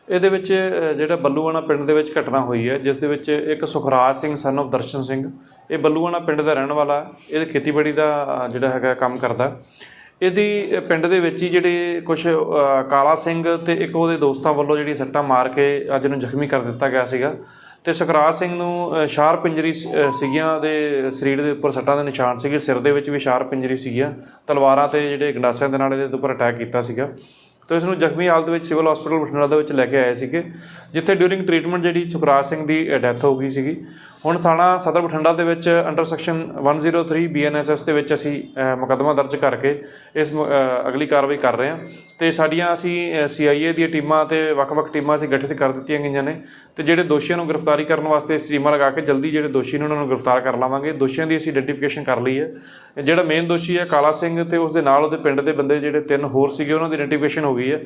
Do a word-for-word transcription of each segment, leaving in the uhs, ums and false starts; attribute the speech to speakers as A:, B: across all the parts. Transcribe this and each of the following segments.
A: ਇਹਦੇ ਵਿੱਚ ਜਿਹੜਾ ਬੱਲੂਆਣਾ ਪਿੰਡ ਦੇ ਵਿੱਚ ਘਟਨਾ ਹੋਈ ਹੈ, ਜਿਸ ਦੇ ਵਿੱਚ ਇੱਕ ਸੁਖਰਾਜ ਸਿੰਘ ਸਨ ਆਫ ਦਰਸ਼ਨ ਸਿੰਘ, ਇਹ ਬੱਲੂਆਣਾ ਪਿੰਡ ਦਾ ਰਹਿਣ ਵਾਲਾ, ਇਹ ਖੇਤੀਬਾੜੀ ਦਾ ਜਿਹੜਾ ਹੈਗਾ ਕੰਮ ਕਰਦਾ। ਇਹਦੀ ਪਿੰਡ ਦੇ ਵਿੱਚ ਹੀ ਜਿਹੜੇ ਕੁਛ ਕਾਲਾ ਸਿੰਘ ਅਤੇ ਇੱਕ ਉਹਦੇ ਦੋਸਤਾਂ ਵੱਲੋਂ ਜਿਹੜੀ ਸੱਟਾਂ ਮਾਰ ਕੇ ਅੱਜ ਨੂੰ ਜ਼ਖਮੀ ਕਰ ਦਿੱਤਾ ਗਿਆ ਸੀਗਾ। ਅਤੇ ਸੁਖਰਾਜ ਸਿੰਘ ਨੂੰ ਸ਼ਾਰਪ ਇੰਜਰੀ ਸੀਗੀਆਂ, ਉਹਦੇ ਸਰੀਰ ਦੇ ਉੱਪਰ ਸੱਟਾਂ ਦੇ ਨਿਸ਼ਾਨ ਸੀਗੇ, ਸਿਰ ਦੇ ਵਿੱਚ ਵੀ ਸ਼ਾਰਪ ਇੰਜਰੀ ਸੀਗੀਆਂ, ਤਲਵਾਰਾਂ ਅਤੇ ਜਿਹੜੇ ਗੰਡਾਸਿਆਂ ਦੇ ਨਾਲ ਇਹਦੇ ਉੱਪਰ ਅਟੈਕ ਕੀਤਾ ਸੀਗਾ। ਤਾਂ ਇਸ ਨੂੰ ਜ਼ਖਮੀ ਹਾਲਤ ਵਿੱਚ ਸਿਵਲ ਹਸਪੀਟਲ ਬਠਿੰਡਾ ਦੇ ਵਿੱਚ ਲੈ ਕੇ ਆਏ ਸੀਗੇ, ਜਿੱਥੇ ਡਿਊਰਿੰਗ ਟਰੀਟਮੈਂਟ ਜਿਹੜੀ ਸੁਖਰਾਜ ਸਿੰਘ ਦੀ ਡੈਥ ਹੋ ਗਈ ਸੀਗੀ। ਹੁਣ ਥਾਣਾ ਸਦਰ ਬਠਿੰਡਾ ਦੇ ਵਿੱਚ under section one zero three B N S S ਦੇ ਵਿੱਚ ਅਸੀਂ ਮੁਕੱਦਮਾ ਦਰਜ ਕਰਕੇ ਇਸ ਅਗਲੀ ਕਾਰਵਾਈ ਕਰ ਰਹੇ ਹਾਂ। ਅਤੇ ਸਾਡੀਆਂ ਅਸੀਂ ਸੀ ਆਈ ਏ ਦੀਆਂ ਟੀਮਾਂ ਅਤੇ ਵੱਖ-ਵੱਖ ਟੀਮਾਂ ਅਸੀਂ ਗਠਿਤ ਕਰ ਦਿੱਤੀਆਂ ਗਈਆਂ ਨੇ, ਅਤੇ ਜਿਹੜੇ ਦੋਸ਼ੀਆਂ ਨੂੰ ਗ੍ਰਿਫਤਾਰੀ ਕਰਨ ਵਾਸਤੇ ਇਸ ਟੀਮਾਂ ਲਗਾ ਕੇ ਜਲਦੀ ਜਿਹੜੇ ਦੋਸ਼ੀ ਨੇ ਉਹਨਾਂ ਨੂੰ ਗ੍ਰਿਫਤਾਰ ਕਰ ਲਵਾਂਗੇ। ਦੋਸ਼ੀਆਂ ਦੀ ਅਸੀਂ ਆਈਡੈਂਟੀਫਿਕੇਸ਼ਨ ਕਰ ਲਈ ਹੈ। ਜਿਹੜਾ ਮੇਨ ਦੋਸ਼ੀ ਹੈ ਕਾਲਾ ਸਿੰਘ ਅਤੇ ਉਸ ਦੇ ਨਾਲ ਉਹਦੇ ਪਿੰਡ ਦੇ ਬੰਦੇ ਜਿਹੜੇ ਤਿੰਨ ਹੋਰ ਸੀਗੇ, ਉਹਨਾਂ ਦੀ ਆਈਡੈਂਟੀਫਿਕੇਸ਼ਨ ਹੋ ਗਈ ਹੈ।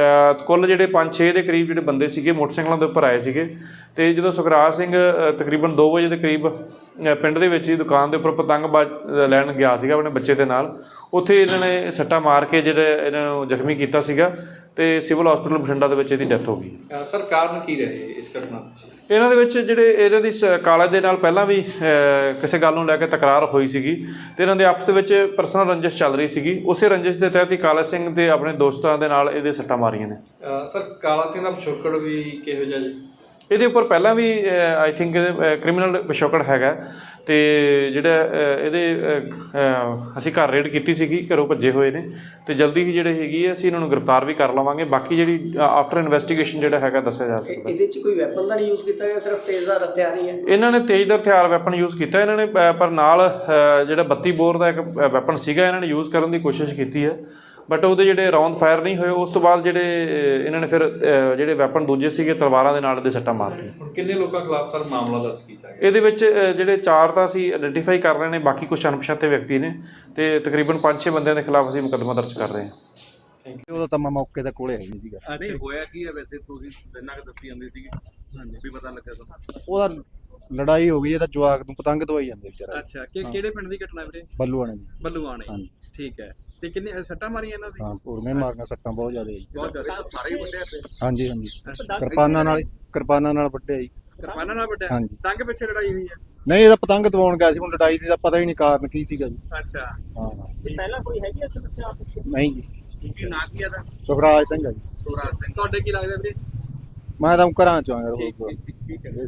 A: ਕੁੱਲ ਜਿਹੜੇ ਪੰਜ ਛੇ ਦੇ ਕਰੀਬ ਜਿਹੜੇ ਬੰਦੇ ਸੀਗੇ ਮੋਟਰਸਾਈਕਲਾਂ ਦੇ ਉੱਪਰ ਆਏ ਸੀਗੇ। ਅਤੇ ਜਦੋਂ ਸੁਖਰਾਜ ਸਿੰਘ ਤਕਰੀਬਨ ਦੋ ਵਜੇ ਦੇ ਕਰੀਬ ਪਿੰਡ ਦੇ ਵਿੱਚ ਹੀ ਦੁਕਾਨ ਦੇ ਉੱਪਰ ਪਤੰਗਬਾਜ਼ ਲੈਣ ਗਿਆ ਸੀਗਾ ਆਪਣੇ ਬੱਚੇ ਦੇ ਨਾਲ, ਉੱਥੇ ਇਹਨਾਂ ਨੇ ਸੱਟਾਂ ਮਾਰ ਕੇ ਜਿਹੜੇ ਇਹਨਾਂ ਨੂੰ ਜ਼ਖਮੀ ਕੀਤਾ ਸੀਗਾ, ਅਤੇ ਸਿਵਲ ਹਸਪੀਟਲ ਬਠਿੰਡਾ ਦੇ ਵਿੱਚ ਇਹਦੀ ਡੈਥ ਹੋ ਗਈ।
B: ਸਰ ਕਾਰਨ ਕੀ ਰਹੇ ਇਸ ਘਟਨਾ?
A: ਇਹਨਾਂ ਦੇ ਵਿੱਚ ਜਿਹੜੇ ਇਹਨਾਂ ਦੀ ਕਾਲੇ ਦੇ ਨਾਲ ਪਹਿਲਾਂ ਵੀ ਕਿਸੇ ਗੱਲ ਨੂੰ ਲੈ ਕੇ ਤਕਰਾਰ ਹੋਈ ਸੀਗੀ, ਅਤੇ ਇਹਨਾਂ ਦੇ ਆਪਸ ਦੇ ਵਿੱਚ ਪਰਸਨਲ ਰੰਜਿਸ਼ ਚੱਲ ਰਹੀ ਸੀਗੀ। ਉਸੇ ਰੰਜਿਸ਼ ਦੇ ਤਹਿਤ ਹੀ ਕਾਲਾ ਸਿੰਘ ਦੇ ਆਪਣੇ ਦੋਸਤਾਂ ਦੇ ਨਾਲ ਇਹਦੇ ਸੱਟਾਂ ਮਾਰੀਆਂ ਨੇ।
B: ਸਰ ਕਾਲਾ ਸਿੰਘ ਦਾ ਪਿਛੋਕੜ ਵੀ ਕਿਹੋ ਜਿਹਾ ਜੀ?
A: ਇਹਦੇ ਉੱਪਰ ਪਹਿਲਾਂ ਵੀ ਆਈ ਥਿੰਕ ਇਹਦੇ ਕ੍ਰਿਮੀਨਲ ਪਿਛੋਕੜ ਹੈਗਾ, ਅਤੇ ਜਿਹੜਾ ਇਹਦੇ ਅਸੀਂ ਘਰ ਰੇਡ ਕੀਤੀ ਸੀਗੀ, ਘਰੋਂ ਭੱਜੇ ਹੋਏ ਨੇ, ਅਤੇ ਜਲਦੀ ਹੀ ਜਿਹੜੇ ਹੈਗੀ ਹੈ ਅਸੀਂ ਇਹਨਾਂ ਨੂੰ ਗ੍ਰਿਫਤਾਰ ਵੀ ਕਰ ਲਵਾਂਗੇ। ਬਾਕੀ ਜਿਹੜੀ ਆਫਟਰ ਇਨਵੈਸਟੀਗੇਸ਼ਨ ਜਿਹੜਾ ਹੈਗਾ ਦੱਸਿਆ ਜਾ ਸਕਦਾ।
C: ਇਹਦੇ 'ਚ ਕੋਈ ਵੈਪਨ ਦਾ ਨਹੀਂ ਯੂਜ਼ ਕੀਤਾ ਗਿਆ, ਸਿਰਫ ਤੇਜ਼ਧਾਰ ਹਥਿਆਰ ਹੀ ਹੈ?
A: ਇਹਨਾਂ ਨੇ ਤੇਜ਼ਧਾਰ ਹਥਿਆਰ ਵੈਪਨ ਯੂਜ਼ ਕੀਤਾ ਇਹਨਾਂ ਨੇ, ਪਰ ਨਾਲ ਜਿਹੜਾ ਬੱਤੀ ਬੋਰ ਦਾ ਇੱਕ ਵੈਪਨ ਸੀਗਾ ਇਹਨਾਂ ਨੇ ਯੂਜ਼ ਕਰਨ ਦੀ ਕੋਸ਼ਿਸ਼ ਕੀਤੀ ਹੈ, ਬਟ ਉਹਦੇ ਜਿਹੜੇ ਰਾਉਂਡ ਫਾਇਰ ਨਹੀਂ ਹੋਏ। ਉਸ ਤੋਂ ਬਾਅਦ ਜਿਹੜੇ ਇਹਨਾਂ ਨੇ ਫਿਰ ਜਿਹੜੇ ਵੈਪਨ ਦੂਜੇ ਸੀਗੇ ਤਲਵਾਰਾਂ ਦੇ ਨਾਲ ਇਹਦੇ ਸੱਟਾਂ ਮਾਰਤੀਆਂ।
B: ਹੁਣ ਕਿੰਨੇ ਲੋਕਾਂ ਖਿਲਾਫ ਸਰ ਮਾਮਲਾ ਦਰਜ ਕੀਤਾ ਗਿਆ?
A: ਇਹਦੇ ਵਿੱਚ ਜਿਹੜੇ ਚਾਰ ਤਾਂ ਅਸੀਂ ਆਈਡੈਂਟੀਫਾਈ ਕਰ ਰਹੇ ਨੇ, ਬਾਕੀ ਕੁਛ ਅਣਪਛਾਤੇ ਵਿਅਕਤੀ ਨੇ, ਅਤੇ ਤਕਰੀਬਨ ਪੰਜ ਛੇ ਬੰਦਿਆਂ ਦੇ ਖਿਲਾਫ ਅਸੀਂ ਮੁਕੱਦਮਾ ਦਰਜ ਕਰ ਰਹੇ ਹਾਂ।
D: Thank you. ਉਹਦਾ ਤਾਂ ਮੈਂ ਮੌਕੇ ਦੇ ਕੋਲੇ ਹੈ ਨਹੀਂ ਸੀਗਾ।
B: ਨਹੀਂ ਹੋਇਆ ਕੀ ਹੈ ਵੈਸੇ, ਤੁਸੀਂ ਦਿਨਾਂ ਕੁ ਦੱਸੀ ਜਾਂਦੇ ਸੀਗੇ, ਹਾਂਜੀ ਵੀ ਪਤਾ ਲੱਗਾ ਤੁਹਾਨੂੰ?
D: ਉਹਦਾ ਲੜਾਈ ਹੋ ਗਈ, ਇਹਦਾ ਜਵਾਕ ਨੂੰ ਪਤੰਗ ਦਵਾਈ ਜਾਂਦੇ ਵਿਚਾਰਾ।
B: ਅੱਛਾ, ਕਿ ਕਿਹੜੇ ਪਿੰਡ ਦੀ ਘਟਨਾ ਵੀਰੇ?
D: ਬੱਲੂਆਣੇ ਜੀ।
B: ਬੱਲੂਆਣੇ,
D: ਹਾਂਜੀ
B: ਠੀਕ ਹੈ। ਤੇ ਕਿੰਨੇ ਸੱਟਾਂ ਮਾਰੀਆਂ ਇਹਨਾਂ ਦੀ?
D: ਹਾਂ, ਪੂਰਨੇ ਮਾਰਨਾ ਸੱਟਾਂ ਬਹੁਤ ਜ਼ਿਆਦਾ ਜੀ।
B: ਬਹੁਤ ਜ਼ਿਆਦਾ ਸਾਰੇ ਹੀ ਵੱਡੇ ਪਏ?
D: ਹਾਂਜੀ ਹਾਂਜੀ, ਕਿਰਪਾਨਾਂ ਨਾਲ ਕਿਰਪਾਨਾਂ ਨਾਲ ਵੱਢਿਆ ਜੀ।
B: ਕਿਰਪਾਨਾਂ ਨਾਲ ਵੱਡਿਆ?
D: ਹਾਂਜੀ।
B: ਤੰਗ ਪਿੱਛੇ ਲੜਾਈ ਹੋਈ ਹੈ?
D: ਨਹੀਂ, ਇਹਦਾ ਪਤੰਗ ਦਵਾਉਣ ਗਿਆ ਸੀ, ਹੁਣ ਲੜਾਈ ਦੀ ਤਾਂ ਪਤਾ ਹੀ ਨਹੀਂ ਕਾਰਨ ਕੀ ਸੀਗਾ ਜੀ।
B: ਅੱਛਾ,
D: ਹਾਂ।
C: ਪਹਿਲਾਂ ਕੋਈ ਹੈਗੀ ਐ ਸਮੱਸਿਆ ਆਪਸ ਵਿੱਚ?
D: ਨਹੀਂ ਜੀ।
B: ਕੀ ਨਾਂ ਕੀ ਆਦਾ?
D: ਸੁਖਰਾਜ ਸਿੰਘ ਹੈ ਜੀ।
B: ਸੁਖਰਾਜ ਸਿੰਘ। ਤੁਹਾਡੇ ਕੀ ਲੱਗਦਾ ਵੀਰੇ?
D: ਮੈਂ ਤਾਂ ਘਰਾਂ ਚੋਂ ਆਇਆ।
B: ਠੀਕ ਹੈ।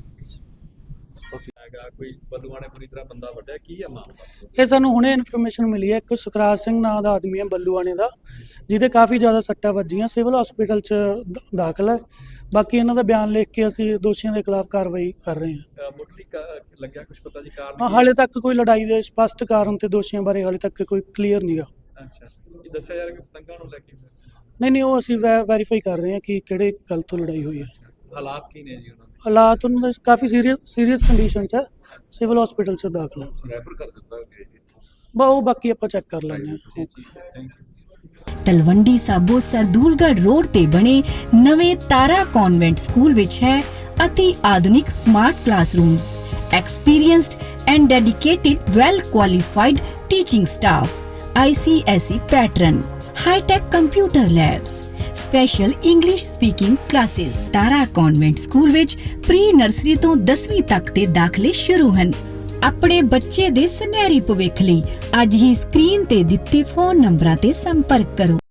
B: ਕੋਈ ਬੱਲੂਆਣੇ ਪੂਰੀ ਤਰ੍ਹਾਂ ਬੰਦਾ ਵੱਢਿਆ, ਕੀ ਹੈ ਮਾਮਲਾ?
E: ਇਹ ਸਾਨੂੰ ਹੁਣੇ ਇਨਫੋਰਮੇਸ਼ਨ ਮਿਲੀ ਹੈ, ਇੱਕ ਸੁਖਰਾਜ ਸਿੰਘ ਨਾਂ ਦਾ ਆਦਮੀ ਹੈ ਬੱਲੂਆਣੇ ਦਾ, ਜਿਹਦੇ ਕਾਫੀ ਜ਼ਿਆਦਾ ਸੱਟਾਂ ਵੱਜੀਆਂ, ਸਿਵਲ ਹਸਪੀਟਲ 'ਚ ਦਾਖਲ ਹੈ। ਬਾਕੀ ਇਹਨਾਂ ਦਾ ਬਿਆਨ ਲਿਖ ਕੇ ਅਸੀਂ ਦੋਸ਼ੀਆਂ ਦੇ ਖਿਲਾਫ ਕਾਰਵਾਈ ਕਰ ਰਹੇ ਹਾਂ।
B: ਮੁੱਢਲੀ ਲੱਗਿਆ ਕੁਝ ਪਤਾ ਜੀ ਕਾਰਨ?
E: ਹਾਂ, ਹਾਲੇ ਤੱਕ ਕੋਈ ਲੜਾਈ ਦੇ ਸਪਸ਼ਟ ਕਾਰਨ ਤੇ ਦੋਸ਼ੀਆਂ ਬਾਰੇ ਹਾਲੇ ਤੱਕ ਕੋਈ ਕਲੀਅਰ ਨਹੀਂਗਾ।
B: ਅੱਛਾ, ਇਹ ਦੱਸਿਆ ਜਾ ਰਿਹਾ ਕਿ ਪਤੰਗਾਂ ਨੂੰ ਲੈ ਕੇ?
E: ਨਹੀਂ ਨਹੀਂ, ਉਹ ਅਸੀਂ ਵੈ ਵੈਰੀਫਾਈ ਕਰ ਰਹੇ ਹਾਂ ਕਿ ਕਿਹੜੇ ਗੱਲ ਤੋਂ ਲੜਾਈ ਹੋਈ ਹੈ।
B: ਹਾਲਾਤ ਕੀ ਨੇ ਜੀ ਉਹਨਾਂ ਦੇ?
E: ਹਾਲਾਤ ਉਹਨਾਂ ਦੇ ਕਾਫੀ ਸੀਰੀਅਸ ਸੀਰੀਅਸ ਕੰਡੀਸ਼ਨ 'ਚ ਹੈ, ਸਿਵਲ ਹਸਪੀਟਲ 'ਚ ਦਾਖਲ ਹੈ।
B: ਰੈਫਰ ਕਰ ਦਿੱਤਾ ਗਿਆ ਜੀ?
E: ਬਾ ਉਹ ਬਾਕੀ ਆਪਾਂ ਚੈੱਕ ਕਰ ਲੈਂਦੇ ਹਾਂ।
F: ਤਲਵੰਡੀ ਸਾਬੋ ਸਰਦੂਲਗੜ੍ਹ ਰੋਡ ਤੇ ਬਣੇ ਨਵੇਂ ਤਾਰਾ ਕਨਵੈਂਟ ਸਕੂਲ ਵਿੱਚ ਹੈ ਅਤੀ ਆਧੁਨਿਕ smart classrooms, experienced and dedicated well qualified teaching staff, I C S E pattern, high tech computer labs, special English speaking classes. Tara convent school ਵਿੱਚ ਪ੍ਰੀ ਨਰਸਰੀ ਤੋਂ ਦਸਵੀਂ ਤੱਕ ਦੇ ਦਾਖਲੇ ਸ਼ੁਰੂ ਹਨ। ਆਪਣੇ ਬੱਚੇ ਦੇ ਸੁਨਹਿਰੀ ਭਵਿੱਖ ਲਈ ਅੱਜ ਹੀ ਸਕਰੀਨ ਤੇ ਦਿੱਤੇ ਫੋਨ ਨੰਬਰਾਂ ਤੇ ਸੰਪਰਕ ਕਰੋ।